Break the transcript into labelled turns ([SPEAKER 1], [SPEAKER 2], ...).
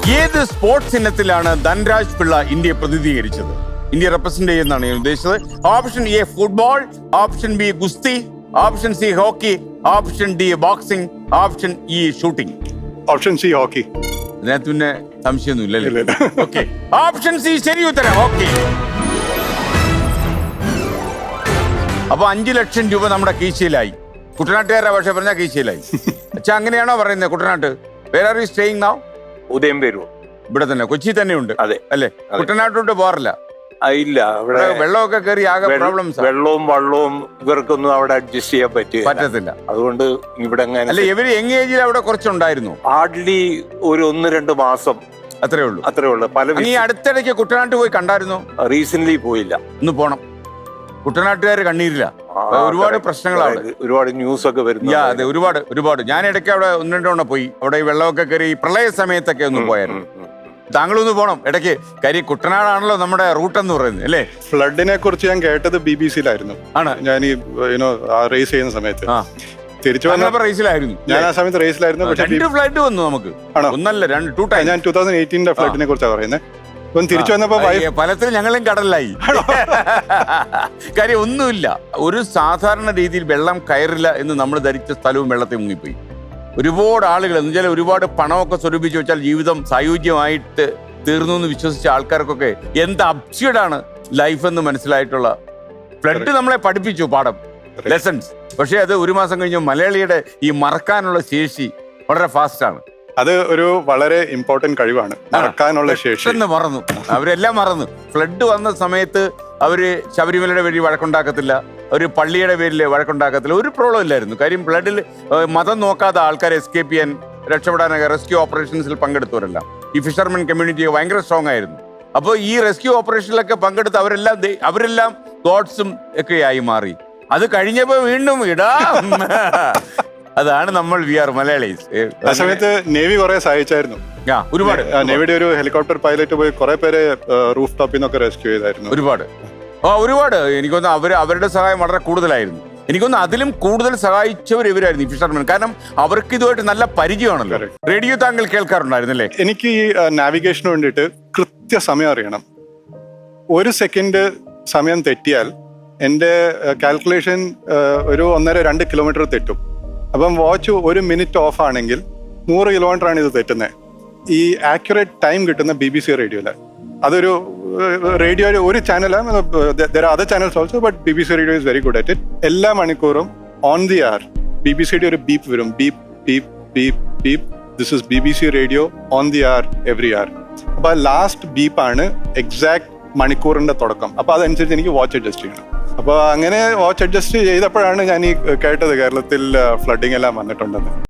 [SPEAKER 1] ഏത് സ്പോർട്സ് ഇനത്തിലാണ് ധൻരാജ് പിള്ള ഇന്ത്യയെ പ്രതിനിധീകരിച്ചത്? India represent ചെയ്യുന്നതാണ് ഞാൻ ഉദ്ദേശിച്ചത്. Option A football, option B ഗുസ്തി, option C hockey, option D boxing, option E shooting.
[SPEAKER 2] Option C hockey.
[SPEAKER 1] ഇതിനകത്ത് പിന്നെ സംശയമൊന്നുമില്ലല്ലേ? ഓക്കെ, ഓപ്ഷൻ സി ശരി ഉത്തരം. ഓക്കെ, അപ്പൊ 5 ലക്ഷം രൂപ നമ്മുടെ കീശയിലായി. കുട്ടനാട്ടുകാരുടെ ഭാഷ പറഞ്ഞാൽ കീശയിലായി. അച്ഛാ, അങ്ങനെയാണോ പറയുന്നത്? കുട്ടനാട്ട് where are you staying now?
[SPEAKER 3] Udayam Peroor.
[SPEAKER 1] ഇവിടെ തന്നെ, കൊച്ചി തന്നെ ഉണ്ട്.
[SPEAKER 3] അതെ
[SPEAKER 1] അല്ലേ? കുട്ടനാട്ടോട്ട് പോറില്ല?
[SPEAKER 3] ഇല്ല, അവിടെ
[SPEAKER 1] വെള്ളമൊക്കെ കയറി ആകെ പ്രോബ്ലംസ്.
[SPEAKER 3] വെള്ളവും വള്ളവും ഇവർക്കൊന്നും അവിടെ അഡ്ജസ്റ്റ് ചെയ്യാൻ പറ്റത്തില്ല. അതുകൊണ്ട് ഇവിടെ
[SPEAKER 1] അല്ല, ഇവര് യങ് ഏജിൽ അവിടെ കുറച്ചുണ്ടായിരുന്നു.
[SPEAKER 3] ഹാർഡ്ലി ഒരു 1-2 മാസം
[SPEAKER 1] അത്രേ ഉള്ളൂ.
[SPEAKER 3] പല
[SPEAKER 1] ഈ അടുത്തിടയ്ക്ക് കുട്ടനാട്ട് പോയി കണ്ടായിരുന്നു?
[SPEAKER 3] റീസെന്റ് പോയില്ല.
[SPEAKER 1] ഒന്ന് പോണം. കുട്ടനാട്ടുകാര് കണ്ണീരില്ല. ഒരുപാട് പ്രശ്നങ്ങളാണ്,
[SPEAKER 3] ഒരുപാട് ന്യൂസ് ഒക്കെ വരുന്നു.
[SPEAKER 1] അതെ, ഒരുപാട്. ഞാൻ ഇടയ്ക്ക് അവിടെ 1-2 തവണ പോയി. അവിടെ ഈ വെള്ളമൊക്കെ കയറി പ്രളയ സമയത്തൊക്കെ ഒന്ന് പോയായിരുന്നു. താങ്കളൊന്ന് പോണം ഇടയ്ക്ക്. കാര്യം കുട്ടനാടാണല്ലോ നമ്മുടെ റൂട്ട് എന്ന് പറയുന്നത്, അല്ലേ?
[SPEAKER 2] ഫ്ലഡിനെ കുറിച്ച് ഞാൻ കേട്ടത് BBC-ലായിരുന്നു.
[SPEAKER 1] ആണ്.
[SPEAKER 2] ഞാൻ ഈ റേസ് ചെയ്യുന്ന സമയത്ത് തിരിച്ചു വന്നപ്പോ
[SPEAKER 1] റേസിലായിരുന്നു.
[SPEAKER 2] ഞാൻ ആ സമയത്ത് റേസിലായിരുന്നു. പക്ഷേ
[SPEAKER 1] 2 ഫ്ലൈറ്റ് വന്നു നമുക്ക്. ഒന്നല്ല, 2 ടൈം.
[SPEAKER 2] ഞാൻ 2018 ഫ്ലഡിനെ കുറിച്ചാണ് പറയുന്നത്. തിരിച്ചു വന്നപ്പോ
[SPEAKER 1] ഫലത്തിൽ ഞങ്ങളും കടലിലായി. കാര്യം ഒന്നുമില്ല, ഒരു സാധാരണ രീതിയിൽ വെള്ളം കയറില്ല എന്ന് നമ്മൾ ധരിച്ച സ്ഥലവും വെള്ളത്തിൽ മുങ്ങിപ്പോയി. ഒരുപാട് ആളുകൾ എന്ന് വെച്ചാൽ ഒരുപാട് പണമൊക്കെ സ്വരൂപിച്ച് വെച്ചാൽ ജീവിതം സായുജ്യമായിട്ട് തീർന്നു എന്ന് വിശ്വസിച്ച ആൾക്കാർക്കൊക്കെ എന്ത് അപ്സ്യഡാണ് ലൈഫ് എന്ന് മനസ്സിലായിട്ടുള്ള ഫ്ലഡ് നമ്മളെ പഠിപ്പിച്ചു പാഠം, ലെസൺസ്. പക്ഷെ അത് 1 മാസം കഴിഞ്ഞ് മലയാളിയുടെ ഈ മറക്കാനുള്ള ശേഷി വളരെ ഫാസ്റ്റാണ്.
[SPEAKER 2] അത് ഒരു വളരെ ഇമ്പോർട്ടന്റ് കഴിവാണ്, മറക്കാനുള്ള ശേഷി.
[SPEAKER 1] മറന്നു, അവരെല്ലാം മറന്നു. ഫ്ലഡ് വന്ന സമയത്ത് അവര് ശബരിമലയുടെ പേരിൽ വഴക്കുണ്ടാക്കത്തില്ല, ഒരു പള്ളിയുടെ പേരിൽ വഴക്കുണ്ടാക്കത്തില്ല, ഒരു പ്രോബ്ലം ഇല്ലായിരുന്നു. കാര്യം ഫ്ലഡിൽ മതം നോക്കാതെ ആൾക്കാരെ എസ്കേപ്പ് ചെയ്യാൻ, രക്ഷപ്പെടാനൊക്കെ റെസ്ക്യൂ ഓപ്പറേഷൻസിൽ പങ്കെടുത്തവരെല്ലാം ഈ ഫിഷർമെൻ കമ്മ്യൂണിറ്റി ഭയങ്കര സ്ട്രോങ് ആയിരുന്നു. അപ്പോൾ ഈ റെസ്ക്യൂ ഓപ്പറേഷനിലൊക്കെ പങ്കെടുത്ത് അവരെല്ലാം ഗോഡ്സും ഒക്കെ ആയി മാറി. അത് കഴിഞ്ഞപ്പോ വീണ്ടും അതാണ് നമ്മൾ വി ആർ മലയാളീസ്.
[SPEAKER 2] ആ സമയത്ത് നേവി കുറെ സഹായിച്ചായിരുന്നു.
[SPEAKER 1] ഒരുപാട്.
[SPEAKER 2] നേവിയുടെ ഒരു ഹെലികോപ്റ്റർ പൈലറ്റ് പോയി കുറെ പേരെ റൂഫ് ടോപ്പിൽ നിന്നൊക്കെ റെസ്ക്യൂ ചെയ്തായിരുന്നു.
[SPEAKER 1] ഒരുപാട്. എനിക്കൊന്ന് അവരുടെ സഹായം വളരെ കൂടുതലായിരുന്നു. എനിക്കൊന്ന് അതിലും കൂടുതൽ സഹായിച്ചവർ ഇവരായിരുന്നു, ഈ ഫിഷർമെൻ. കാരണം അവർക്ക് ഇതുമായിട്ട് നല്ല പരിചയമാണല്ലോ. റേഡിയോ താങ്കൾ കേൾക്കാറുണ്ടായിരുന്നല്ലേ?
[SPEAKER 2] എനിക്ക് ഈ നാവിഗേഷന് വേണ്ടിയിട്ട് കൃത്യസമയം അറിയണം. 1 സെക്കൻഡ് സമയം തെറ്റിയാൽ എൻ്റെ കാൽക്കുലേഷൻ ഒരു 1.5-2 കിലോമീറ്റർ തെറ്റും. അപ്പം വാച്ച് 1 മിനിറ്റ് ഓഫ് ആണെങ്കിൽ 100 കിലോമീറ്റർ ആണ് ഇത് തെറ്റുന്നത്. ഈ ആക്യുറേറ്റ് ടൈം കിട്ടുന്ന BBC റേഡിയോയില്. അതൊരു റേഡിയോ ഒരു ചാനലാണ്. there are other channels also, but BBC radio is very good at it. എല്ലാ മണിക്കൂറും ഓൺ ദി ആർ BBC ഒരു ബീപ്പ് വരും. Beep beep beep beep. This is BBC radio on the hour every hour. അപ്പൊ last ബീപ്പാണ് exact മണിക്കൂറിന്റെ തുടക്കം. അപ്പൊ അതനുസരിച്ച് എനിക്ക് വാച്ച് അഡ്ജസ്റ്റ് ചെയ്യണം. അപ്പൊ അങ്ങനെ വാച്ച് അഡ്ജസ്റ്റ് ചെയ്തപ്പോഴാണ് ഞാൻ ഈ കേട്ടത് കേരളത്തിൽ ഫ്ലഡിങ് എല്ലാം വന്നിട്ടുണ്ടെന്ന്.